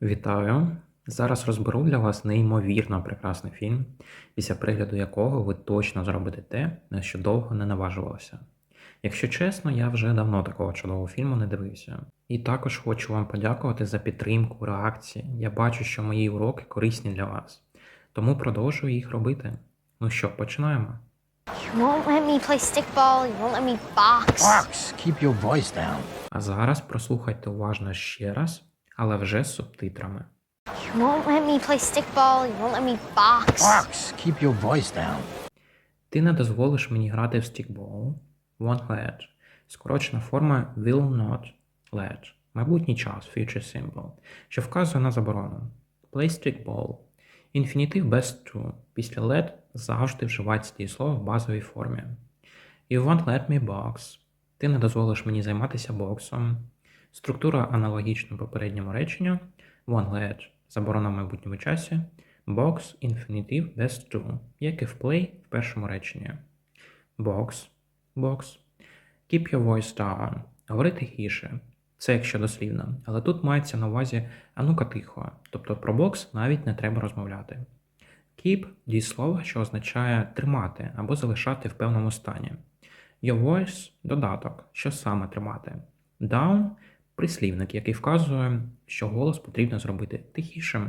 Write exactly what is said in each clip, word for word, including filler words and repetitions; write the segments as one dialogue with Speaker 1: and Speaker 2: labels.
Speaker 1: Вітаю! Зараз розберу для вас неймовірно прекрасний фільм, після перегляду якого ви точно зробите те, на що довго не наважувалися. Якщо чесно, я вже давно такого чудового фільму не дивився. І також хочу вам подякувати за підтримку, реакції. Я бачу, що мої уроки корисні для вас. Тому продовжую їх робити. Ну що, починаємо?
Speaker 2: You won't let me play stickball, you won't let me box.
Speaker 3: Fox, keep your voice down.
Speaker 1: А зараз прослухайте уважно ще раз, але вже з субтитрами.
Speaker 2: You won't let me play stickball, you won't let me box.
Speaker 3: Fox, keep your voice down.
Speaker 1: Ти не дозволиш мені грати в стікбол. Won't let. Скорочена форма will not let. Майбутній час, future simple, що вказує на заборону. Play stickball. Інфінітив без to. Після let завжди вживається дієслово в базовій формі. You won't let me box. Ти не дозволиш мені займатися боксом. Структура аналогічна попередньому реченню. Won't let. Заборона в майбутньому часі. Box – інфінітив без to, як і в play в першому реченні. Box – box. Keep your voice down. Говори тихіше. Це якщо дослівно. Але тут мається на увазі «а ну-ка тихо». Тобто про бокс навіть не треба розмовляти. Keep – дієслово, що означає тримати або залишати в певному стані. Your voice – додаток, що саме тримати. Down – прислівник, який вказує, що голос потрібно зробити тихішим.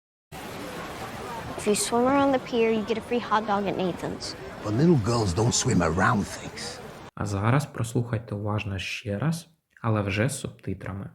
Speaker 2: If you swim around the pier, you get a free hot dog at Nathan's.
Speaker 3: But little girls don't swim around things.
Speaker 1: А зараз прослухайте уважно ще раз, але вже з субтитрами.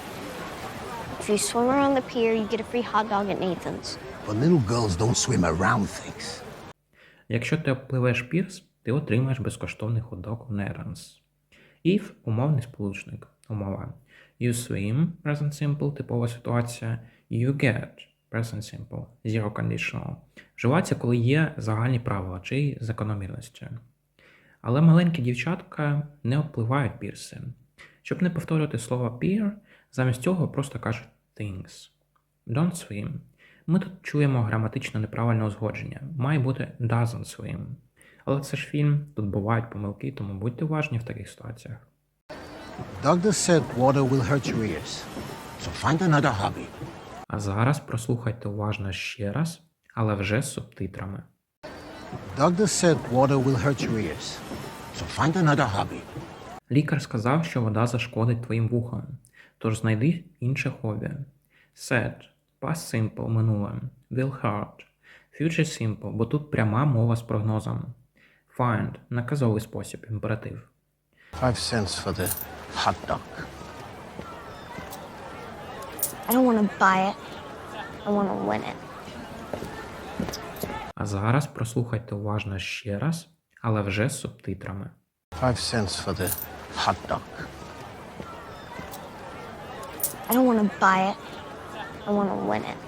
Speaker 2: If you swim around the pier, you get a free hot dog at Nathan's.
Speaker 3: But little girls don't swim around things.
Speaker 1: Якщо ти обпливеш пірс, ти отримаєш безкоштовний хот-дог у Nathan's. If – умовний сполучник, умова. You swim – present simple, типова ситуація. You get – present simple, zero conditional. Вживається, коли є загальні правила чи закономірності. Але маленькі дівчатка не обпливають пірси. Щоб не повторювати слово pier, замість цього просто кажуть things. Don't swim. Ми тут чуємо граматично неправильне узгодження. Має бути doesn't swim. Але це ж фільм, тут бувають помилки, тому будьте уважні в таких ситуаціях.
Speaker 3: Doctor said water will hurt your ears. So find another hobby.
Speaker 1: А зараз прослухайте уважно ще раз, але вже з субтитрами.
Speaker 3: Doctor said water will hurt your ears. So find another hobby.
Speaker 1: Лікар сказав, що вода зашкодить твоїм вухам, тож знайди інше хобі. Said – past simple – минуле. Will hurt – future simple, бо тут пряма мова з прогнозом. Find – наказовий спосіб, імператив.
Speaker 3: Five cents for the hot dog.
Speaker 2: I don't want to buy it. I want to win it.
Speaker 1: А зараз прослухайте уважно ще раз, але вже з субтитрами.
Speaker 3: Five cents for the hot dog.
Speaker 2: I don't want to buy it. I want to win it.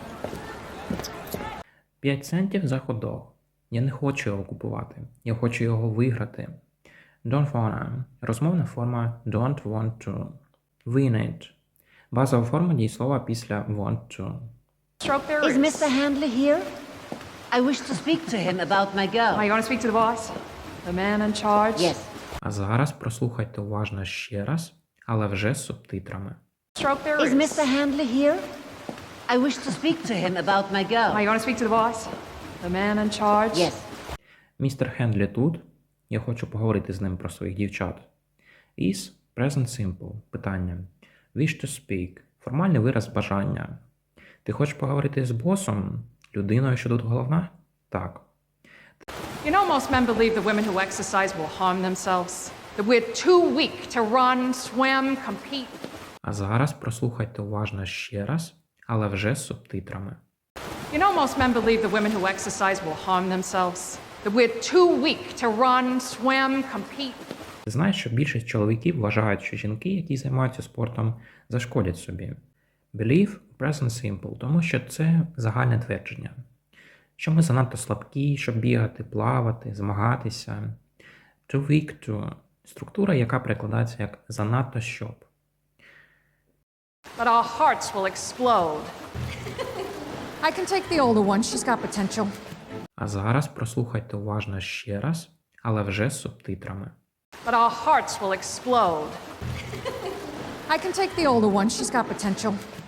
Speaker 1: П'ять центів за хот-дог. Я не хочу його купувати. Я хочу його виграти. Don't wanna. Розмовна форма don't want to. Win it. Базова форма дієслова після want to.
Speaker 4: Stroke their
Speaker 5: Is
Speaker 4: ribs.
Speaker 5: Mister Handley here? I wish to speak to him about my girl.
Speaker 4: Oh, you want to speak to the boss? The man in charge?
Speaker 5: Yes.
Speaker 1: А зараз прослухайте уважно ще раз, але вже з субтитрами.
Speaker 4: Stroke their
Speaker 5: Is
Speaker 4: ribs.
Speaker 5: Mister Handley here? I wish to speak to him about my
Speaker 4: Oh,
Speaker 5: girl.
Speaker 4: you want to speak to the boss? The man in charge?
Speaker 5: Yes.
Speaker 1: Містер Хендлі тут. Я хочу поговорити з ним про своїх дівчат. Is present simple. Питання. Wish to speak. Формальний вираз бажання. Ти хочеш поговорити з босом? Людиною, що тут головна? Так.
Speaker 4: You know, most men believe the women who exercise will harm themselves. That we're too weak to run, swim, compete.
Speaker 1: А зараз прослухайте уважно ще раз, але вже з субтитрами.
Speaker 4: You know, most men believe the women who exercise will harm themselves. That we're too weak to run, swim, compete.
Speaker 1: Ти знаєш, що більшість чоловіків вважають, що жінки, які займаються спортом, зашкодять собі. Believe – present simple, тому що це загальне твердження. Що ми занадто слабкі, щоб бігати, плавати, змагатися. Too weak to – структура, яка перекладається як занадто щоб.
Speaker 4: But our hearts will explode.
Speaker 6: I can take the older one. She's got potential.
Speaker 1: А зараз прослухайте уважно ще раз, але вже з субтитрами.
Speaker 4: But our hearts will explode.
Speaker 6: I can take the older one. She's got potential.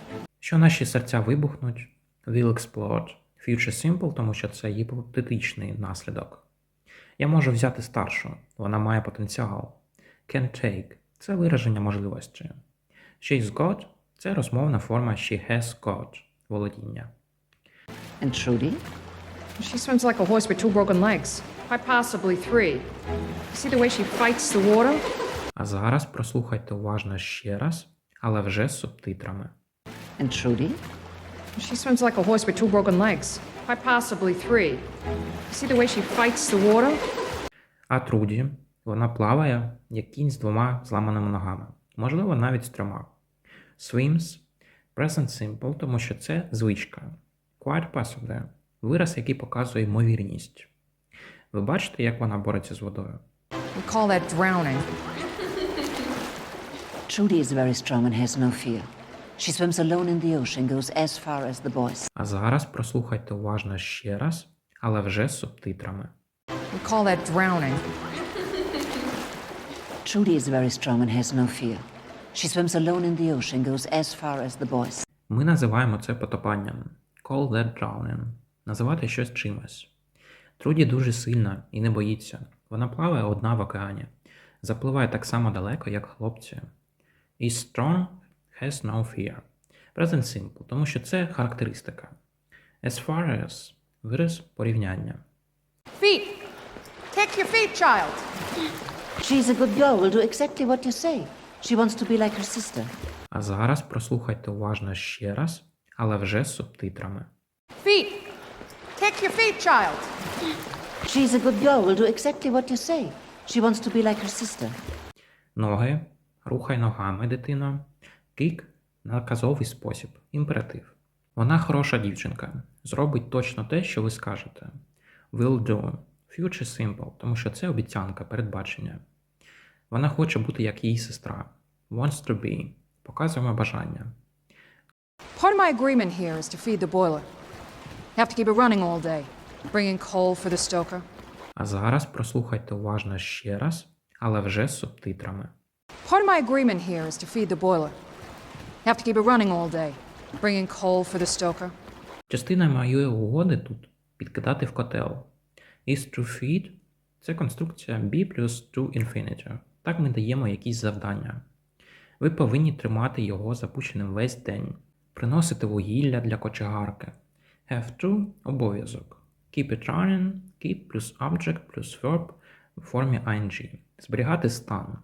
Speaker 1: Що наші серця вибухнуть. Will explode. Future simple, тому що це гіпотетичний наслідок. Я можу взяти старшу. Вона має потенціал. Can take – це вираження можливості. She's got – це розмовна форма she has got – володіння.
Speaker 5: And Trudy?
Speaker 4: She swims like a horse with two broken legs. Quite possibly three. You see the way she fights the water?
Speaker 1: А зараз прослухайте уважно ще раз, але вже з субтитрами.
Speaker 5: And Trudy?
Speaker 4: She swims like a horse with two broken legs. Quite possibly three. You see the way she fights the water?
Speaker 1: А Труді, вона плаває, як кінь з двома зламаними ногами. Можливо, навіть з трьома. Swims – present simple, тому що це звичка. Quite possibly – вираз, який показує ймовірність. Ви бачите, як вона бореться з водою?
Speaker 6: We call that drowning.
Speaker 5: Trudy is very strong and has no fear. She swims alone in the ocean, goes as far as the boys.
Speaker 1: А зараз прослухайте уважно ще раз, але вже з субтитрами.
Speaker 6: We call that drowning.
Speaker 5: Trudy is very strong and has no fear. She swims alone in the ocean, goes as far as the boys.
Speaker 1: Ми називаємо це потопанням. Call that drowning. Називати щось чимось. Труді дуже сильна і не боїться. Вона плаває одна в океані. Запливає так само далеко, як хлопці. Is strong, has no fear. Present simple, тому що це характеристика. As far as – вираз порівняння.
Speaker 4: Feet! Kick your feet, child!
Speaker 5: She's a good girl, will do exactly what you say. She wants to be like her sister.
Speaker 1: А зараз прослухайте уважно ще раз, але вже з субтитрами.
Speaker 4: Feet! Kick your feet, child!
Speaker 5: She's a good girl, will do exactly what you say. She wants to be like her sister.
Speaker 1: Ноги. Рухай ногами, дитино. Kick – наказовий спосіб, імператив. Вона хороша дівчинка. Зробить точно те, що ви скажете. Will do. Future simple, тому що це обіцянка, передбачення. Вона хоче бути як її сестра. Wants to be. Показуємо бажання.
Speaker 6: Part of my agreement here is to feed the boiler. Have to keep it running all day. Bring in coal for the stoker.
Speaker 1: А зараз прослухайте уважно ще раз, але вже з субтитрами.
Speaker 6: Part of my agreement here is to feed the boiler. Have to keep it running all day. Bring in coal for the stoker.
Speaker 1: Частина моєї угоди тут – підкидати в котел. Is to feed – це конструкція be плюс to infinity. Так ми даємо якісь завдання. Ви повинні тримати його запущеним весь день. Приносити вугілля для кочегарки. Have to – обов'язок. Keep it running – keep плюс object плюс verb в формі ing. Зберігати стан.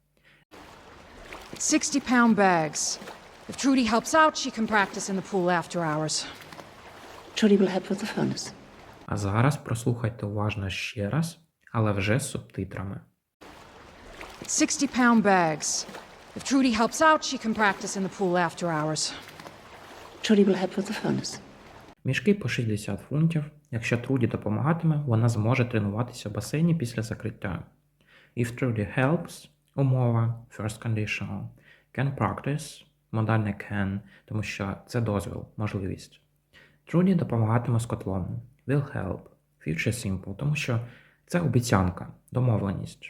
Speaker 6: sixty-pound bags. If Trudy helps out, she can practice in the pool after hours.
Speaker 5: Trudy will help with the furnace.
Speaker 1: А зараз прослухайте уважно ще раз, але вже з субтитрами.
Speaker 6: sixty-pound bags. If Trudy helps out, she can practice in the pool after hours.
Speaker 5: Trudy will help with the furnace.
Speaker 1: Мішки по шістдесят фунтів. Якщо Труді допомагатиме, вона зможе тренуватися в басейні після закриття. If Trudy helps – умова, first conditional. Can practice – модальне can, тому що це дозвіл, можливість. Труді допомагатиме з котлом. Will help – future simple, тому що це обіцянка, домовленість.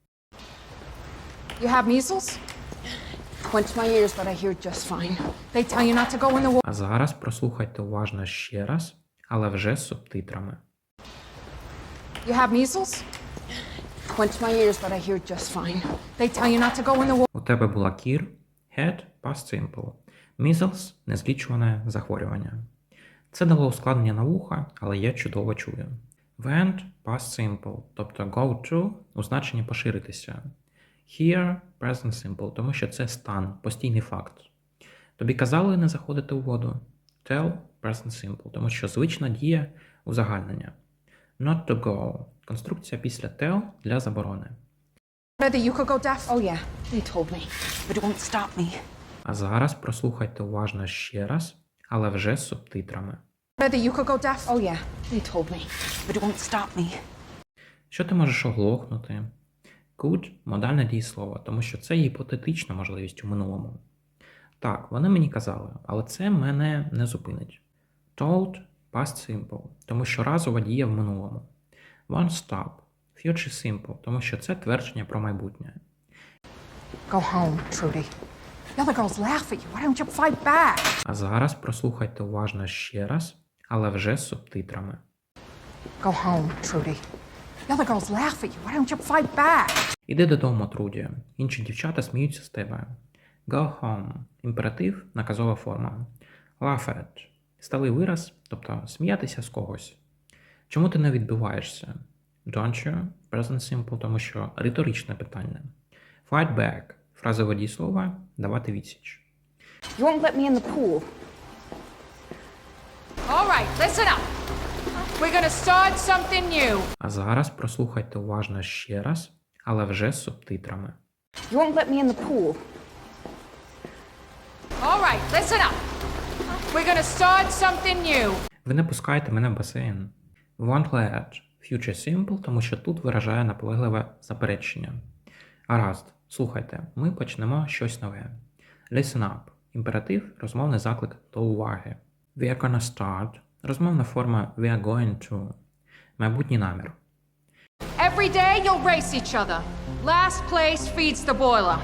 Speaker 6: You have measles? Quench my ears, but I hear just fine. They tell you not to go in the water.
Speaker 1: А зараз прослухайте уважно ще раз, але вже з субтитрами.
Speaker 6: You have measles? Quench my ears, but I hear just fine. They tell you not to go in the water.
Speaker 1: У тебе була кір, had, past simple. Measles – незлічуване захворювання. Це дало ускладнення на вуха, але я чудово чую. Went – past simple, тобто go to у значенні поширитися. Here – present simple, тому що це стан, постійний факт. Тобі казали не заходити у воду. Tell – present simple, тому що звична дія узагальнення. Not to go – конструкція після tell для заборони.
Speaker 6: That you could go deaf?
Speaker 5: Oh yeah, they told me, but it won't stop me.
Speaker 1: А зараз прослухайте уважно ще раз, але вже з субтитрами.
Speaker 6: That you could go deaf?
Speaker 5: Oh yeah, they told me, but it won't stop me.
Speaker 1: Що ти можеш оглохнути? Could – модальне дієслово, тому що це гіпотетична можливість у минулому. Так, вони мені казали, але це мене не зупинить. Told – past simple, тому що разова дія в минулому. Won't stop – future simple, тому що це твердження про майбутнє.
Speaker 6: Go home, Trudy. The other girls laugh at you. Why don't you fight back?
Speaker 1: А зараз прослухайте уважно ще раз, але вже з субтитрами.
Speaker 6: Go home, Trudy. The other girls laugh at you. Why don't you fight back?
Speaker 1: Іди додому, Труді. Інші дівчата сміються з тебе. Go home. Імператив – наказова форма. Laugh at. Сталий вираз, тобто сміятися з когось. Чому ти не відбиваєшся? Don't you? Present simple, тому що риторичне питання. Fight back. Фразове дієслово – давати відсіч.
Speaker 2: You won't let me in the pool.
Speaker 4: All right, listen up. We're gonna start something new.
Speaker 1: А зараз прослухайте уважно ще раз, але вже з субтитрами.
Speaker 2: You won't let me in the pool.
Speaker 4: All right, listen up. We're gonna start something new.
Speaker 1: Ви не пускаєте мене в басейн. Won't let. Future simple, тому що тут виражає наполегливе заперечення. Гаразд, слухайте, ми почнемо щось нове. Listen up. Імператив – розмовний заклик до уваги. We are gonna start. Розмовна форма we are going to. Майбутній намір.
Speaker 4: Every day you'll race each other. Last place feeds the boiler.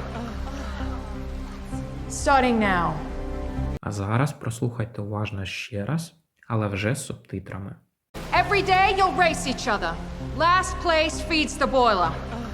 Speaker 4: Starting now.
Speaker 1: А зараз прослухайте уважно ще раз, але вже з субтитрами.
Speaker 4: Every day you'll race each other. Last place feeds the boiler.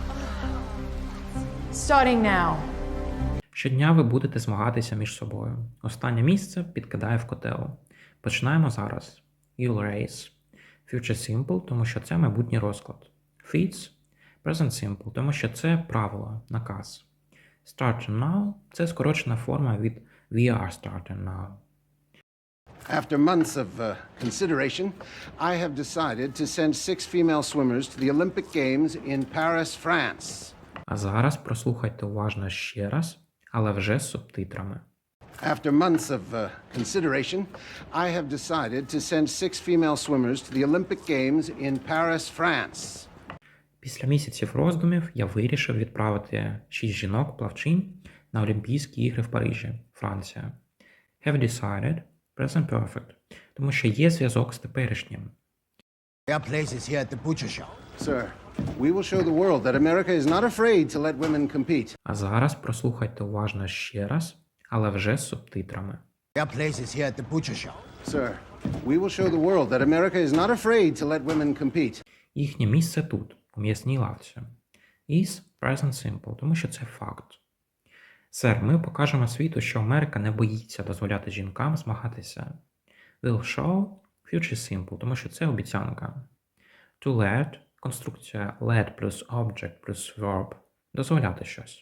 Speaker 4: Starting now.
Speaker 1: Щодня ви будете змагатися між собою. Останнє місце підкидає в котел. Починаємо зараз. You'll race. Future simple, тому що це майбутній розклад. Feeds. Present simple, тому що це правило, наказ. Starting now – це скорочена форма від we are starting now.
Speaker 3: After months of uh, consideration, I have decided to send six female swimmers to the Olympic Games in Paris, France.
Speaker 1: А зараз прослухайте уважно ще раз, але вже з субтитрами.
Speaker 3: After months of uh, consideration, I have decided to send six female swimmers to the Olympic Games in Paris, France.
Speaker 1: Після місяців роздумів я вирішив відправити шість жінок-плавчинь на Олімпійські ігри в Парижі, Франція. Have decided, present perfect, тому що є зв'язок з теперішнім.
Speaker 7: Our place is here at the butcher shop.
Speaker 3: Sir, we will show the world that America is not afraid to let women compete.
Speaker 1: А зараз прослухайте уважно ще раз, але вже з субтитрами.
Speaker 7: Our place is here at the butcher shop.
Speaker 3: Sir, we will show the world that America is not afraid to let women compete.
Speaker 1: Їхнє місце тут, у м'ясній лавці. Is present simple, тому що це факт. Сер, ми покажемо світу, що Америка не боїться дозволяти жінкам змагатися. Will show future simple, тому що це обіцянка. To let – конструкція let плюс object плюс verb – дозволяти щось.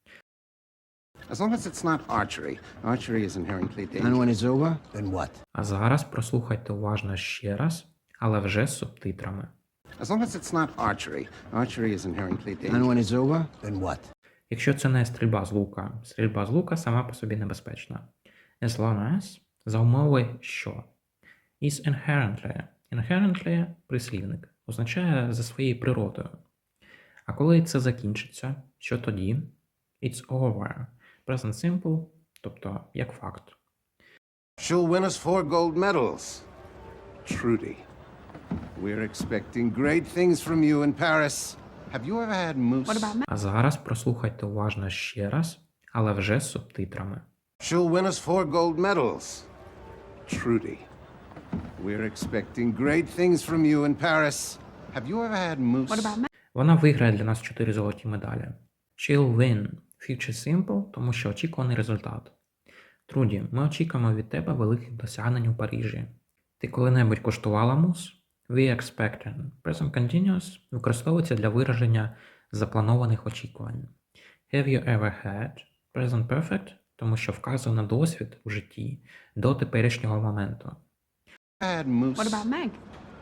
Speaker 3: As long as it's not archery. Archery is inherently
Speaker 7: And
Speaker 3: dangerous.
Speaker 7: when it's over, then what?
Speaker 1: А зараз прослухайте уважно ще раз, але вже з субтитрами.
Speaker 3: As long as it's not archery. Archery is inherently
Speaker 7: And
Speaker 3: dangerous.
Speaker 7: when it's over, then what?
Speaker 1: Якщо це не стрільба з лука, стрільба з лука сама по собі небезпечна. As long as – за умови що. Is inherently. Inherently – прислівник. Означає за своєю природою. А коли це закінчиться, що тоді? It's over. Present simple, тобто як факт.
Speaker 3: She'll win us four gold medals. Trudy, we're expecting great things from you in Paris. Have you ever had moose?
Speaker 2: What about
Speaker 1: А зараз прослухайте уважно ще раз, але вже з субтитрами.
Speaker 3: She'll win us four gold medals. Trudy, we're expecting great things from you in Paris. Have you ever had moose?
Speaker 2: What about
Speaker 1: Вона виграє для нас чотири золоті медалі. She'll win. Future simple, тому що очікуваний результат. Труді, ми очікуємо від тебе великих досягнень у Парижі. Ти коли-небудь куштувала мус? We expecting. Present continuous використовується для вираження запланованих очікувань. Have you ever had? Present perfect, тому що вказує на досвід у житті до теперішнього моменту.
Speaker 3: Had moose.
Speaker 2: What about Meg?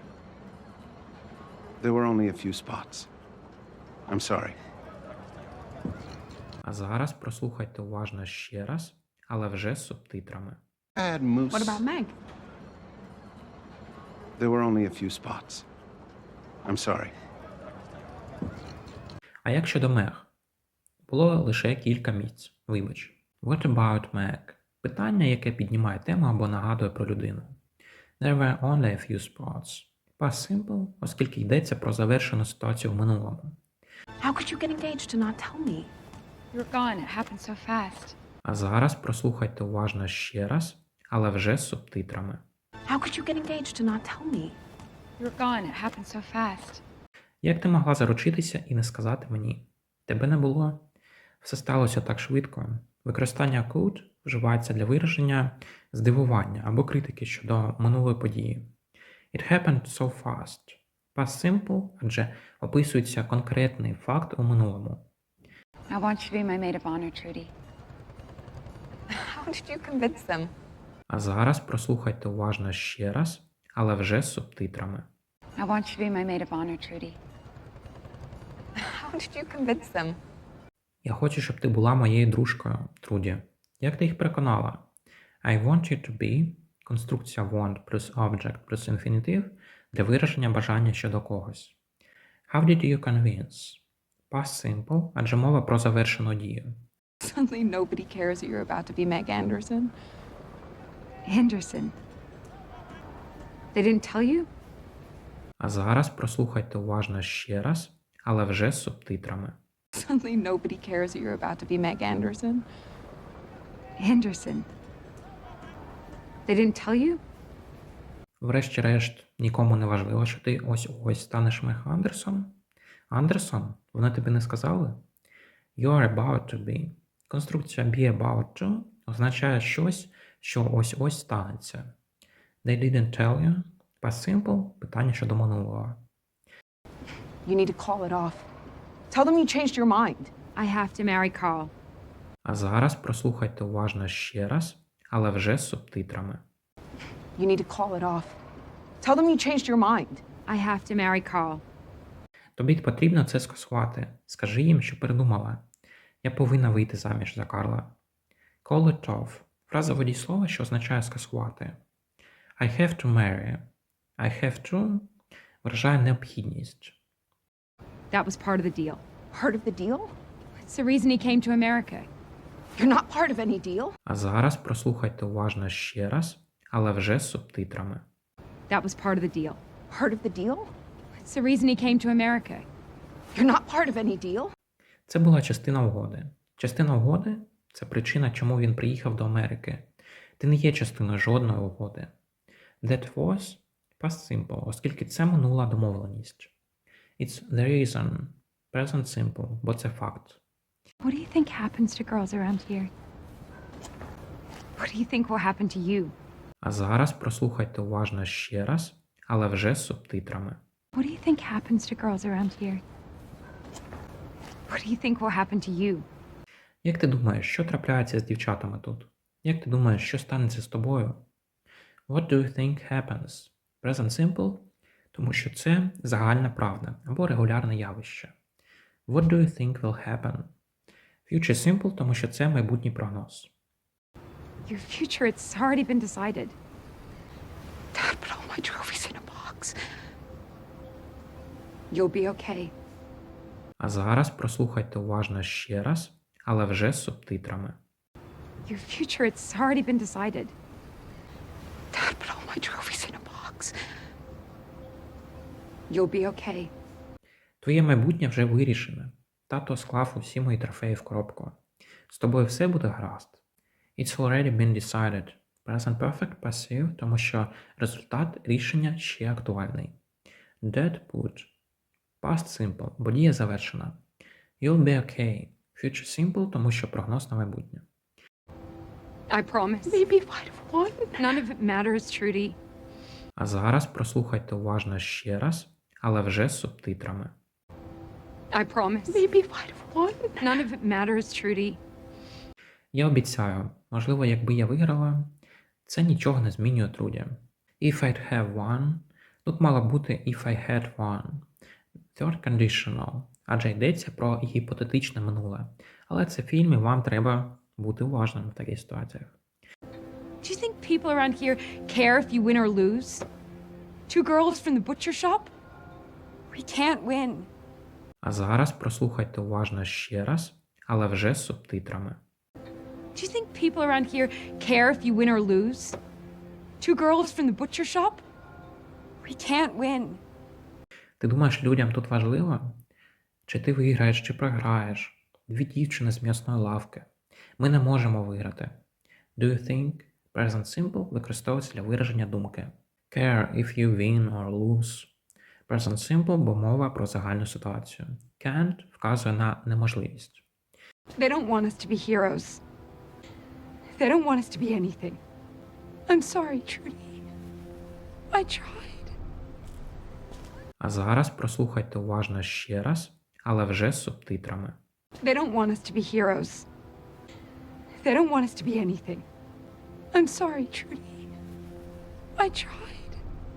Speaker 3: There were only a few spots. I'm sorry.
Speaker 1: А зараз прослухайте уважно ще раз, але вже з субтитрами.
Speaker 3: Had moose.
Speaker 2: What about Meg?
Speaker 3: There were only a few spots. I'm sorry.
Speaker 1: А як щодо Мег? Було лише кілька місць. Вибач. What about Meg? Питання, яке піднімає тему або нагадує про людину. There were only a few spots. Past simple, оскільки йдеться про завершену ситуацію в минулому.
Speaker 2: How could you get engaged and not tell me?
Speaker 8: You were gone. It happened so fast.
Speaker 1: А зараз прослухайте уважно ще раз, але вже з субтитрами.
Speaker 8: How could you get engaged and not tell me?
Speaker 9: You were gone. It happened so fast.
Speaker 1: Як ти могла заручитися і не сказати мені? Тебе не було. Все сталося так швидко. Використання could вживається для вираження здивування або критики щодо минулої події. It happened so fast. Past simple, адже описується конкретний факт у минулому.
Speaker 9: I want you to be my maid of honor, Trudy.
Speaker 8: How did you convince them?
Speaker 1: А зараз прослухайте уважно ще раз, але вже з субтитрами.
Speaker 9: I want you to be my maid of honor, Trudy.
Speaker 8: How did you convince them?
Speaker 1: Я хочу, щоб ти була моєю дружкою, Труді. Як ти їх переконала? I want you to be – конструкція want плюс object плюс інфінітив для вираження бажання щодо когось. How did you convince? Past simple, адже мова про завершену дію.
Speaker 8: Suddenly nobody cares that you're about to be Meg Anderson.
Speaker 9: Anderson. They didn't tell you?
Speaker 1: А зараз прослухайте уважно ще раз, але вже з субтитрами.
Speaker 8: Suddenly nobody cares that you're about to be Meg Anderson.
Speaker 9: Anderson. They didn't tell you?
Speaker 1: Врешті-решт, нікому не важливо, що ти ось-ось станеш Мег Андерсон. Андерсон? Вони тобі не сказали? You're about to be. Конструкція be about to означає щось, що ось-ось станеться. They didn't tell you. Past simple – питання щодо минулого.
Speaker 8: You need to call it off. Tell them you changed your mind.
Speaker 9: I have to marry Carl.
Speaker 1: А зараз прослухайте уважно ще раз, але вже з субтитрами.
Speaker 8: You need to call it off. Tell them you changed your mind.
Speaker 9: I have to marry Carl.
Speaker 1: Тобі потрібно це скасувати. Скажи їм, що передумала. Я повинна вийти заміж за Карла. Call it off. Фраза в дієслова, що означає скасувати. I have to marry. I have to виражає необхідність.
Speaker 9: That was part of the deal.
Speaker 8: Part of the deal?
Speaker 9: It's the reason he came to America.
Speaker 8: You're not part of any deal.
Speaker 1: А зараз прослухайте уважно ще раз, але вже з субтитрами.
Speaker 9: That was part of the deal.
Speaker 8: Part of the deal?
Speaker 9: It's the reason he came to America.
Speaker 8: You're not part of any deal.
Speaker 1: Це була частина угоди. Частина угоди – це причина, чому він приїхав до Америки. Ти не є частиною жодної угоди. That was past simple, оскільки це минула домовленість. It's the reason, present simple, бо це факт.
Speaker 9: What do you think happens to girls around here? What do you think will happen to you?
Speaker 1: А зараз прослухайте уважно ще раз, але вже з субтитрами.
Speaker 9: What do you think happens to girls around here? What do you think will happen to you?
Speaker 1: Як ти думаєш, що трапляється з дівчатами тут? Як ти думаєш, що станеться з тобою? What do you think happens? Present simple, тому що це загальна правда або регулярне явище. What do you think will happen? Future simple, тому що це майбутній прогноз.
Speaker 9: Your future, it's already been decided.
Speaker 8: Dad put all my trophies in a box.
Speaker 9: You'll be okay.
Speaker 1: А зараз прослухайте уважно ще раз, але вже з субтитрами.
Speaker 9: Your future, it's already been decided.
Speaker 8: Dad put all my trophies in a box.
Speaker 9: You'll be okay.
Speaker 1: Твоє майбутнє вже вирішене. Тато склав усі мої трофеї в коробку. З тобою все буде гаразд. It's already been decided. Present perfect passive, тому що результат рішення ще актуальний. Dad put. Past simple, бо дія завершена. You'll be okay. Future simple, тому що прогноз на майбутнє.
Speaker 9: I promise.
Speaker 8: Maybe five of one.
Speaker 9: None of it matters, Trudy.
Speaker 1: А зараз прослухайте уважно ще раз, але вже з субтитрами.
Speaker 9: I promise.
Speaker 8: Maybe five of one.
Speaker 9: None of it matters, Trudy.
Speaker 1: Я обіцяю, можливо, якби я виграла, це нічого не змінює Труді. If I'd have won, тут мало бути if I had won. Third conditional, адже йдеться про гіпотетичне минуле. Але це фільм, і вам треба бути уважним в таких ситуаціях.
Speaker 9: Do you think people around here care if you win or lose? Two girls from the butcher shop? We can't win.
Speaker 1: А зараз прослухайте уважно ще раз, але вже з субтитрами.
Speaker 9: Do you think people around here care if you win or lose? Two girls from the butcher shop? We can't win.
Speaker 1: Ти думаєш, людям тут важливо? Чи ти виграєш, чи програєш? Дві дівчини з м'ясної лавки. Ми не можемо виграти. Do you think? Present simple використовується для вираження думки. Care if you win or lose. Present simple, бо мова про загальну ситуацію. Can't вказує на неможливість.
Speaker 9: They don't want us to be heroes. They don't want us to be anything. I'm sorry, Trudy. I tried.
Speaker 1: А зараз прослухайте уважно ще раз, але вже з субтитрами.
Speaker 9: They don't want us to be heroes. They don't want us to be anything. I'm sorry, Trudy. I tried.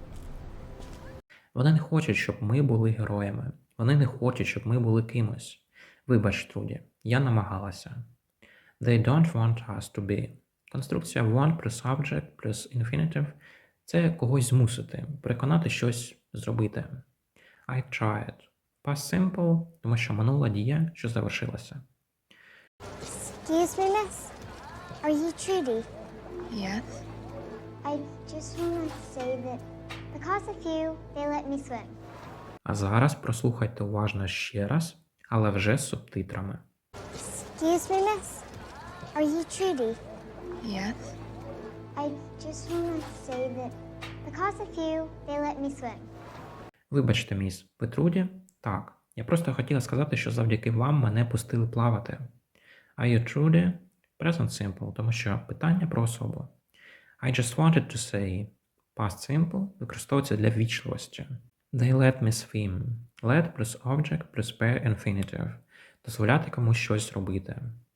Speaker 1: Вони не хочуть, щоб ми були героями. Вони не хочуть, щоб ми були кимось. Вибач, Труді, я намагалася. They don't want us to be. Конструкція want плюс subject плюс infinitive – це когось змусити, переконати щось зробити. I tried. Past simple, тому що минула дія, що завершилася.
Speaker 2: Excuse me, miss. Are you Trudy?
Speaker 8: Yes?
Speaker 2: I just want to say that because of you, they let me swim.
Speaker 1: А зараз прослухайте уважно ще раз, але вже з субтитрами.
Speaker 2: Excuse me, miss. Are you Trudy?
Speaker 8: Yes?
Speaker 2: I just want to say that because of you, they let me swim.
Speaker 1: Вибачте, міс, ви Труді? Так. Я просто хотіла сказати, що завдяки вам мене пустили плавати. Are you Trudy? Present simple, тому що питання про особу. I just wanted to say. Past simple використовується для ввічливості. They let me swim. Let плюс object плюс pair infinitive. Дозволяти комусь щось робити.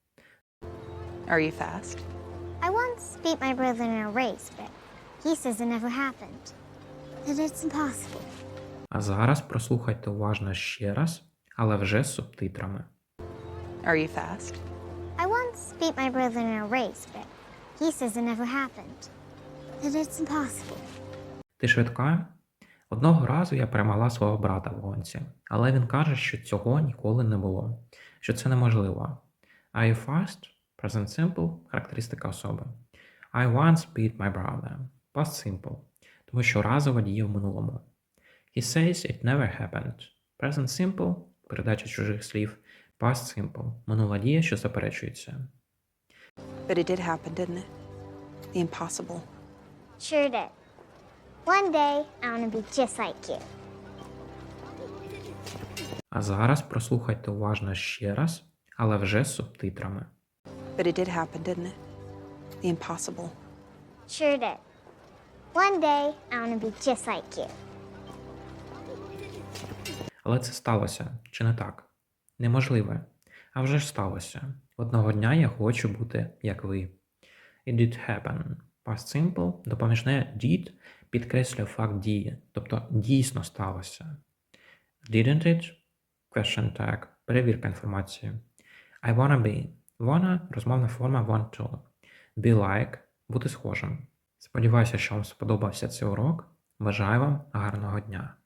Speaker 8: Are you fast?
Speaker 2: I once beat my brother in a race, but he says it never happened. That it's impossible.
Speaker 1: А зараз прослухайте уважно ще раз, але вже з субтитрами.
Speaker 8: Are you fast?
Speaker 2: I once beat my brother in a race, but he says it never happened. That it's impossible.
Speaker 1: Ти швидка? Одного разу я перемогла свого брата в гонці, але він каже, що цього ніколи не було, що це неможливо. Are you fast? Present simple – характеристика особи. I once beat my brother. Past simple – тому що разово діє в минулому. He says it never happened. Present simple – передача чужих слів. Past simple – минула дія, що заперечується.
Speaker 8: But it did happen, didn't it? The impossible.
Speaker 2: Sure did. One day, I want to be just like you.
Speaker 1: А зараз прослухайте уважно ще раз, але вже з субтитрами.
Speaker 8: But it did happen, didn't it? The impossible.
Speaker 2: Sure did. One day, I want to be just like you.
Speaker 1: Але це сталося, чи не так? Неможливе. А вже ж сталося. Одного дня я хочу бути, як ви. It did happen. Past simple допоміжне did підкреслює факт дії, тобто дійсно сталося. Didn't it? Question tag. Перевірка інформації. I wanna be. Wanna – розмовна форма want to. Be like – бути схожим. Сподіваюся, що вам сподобався цей урок. Бажаю вам гарного дня.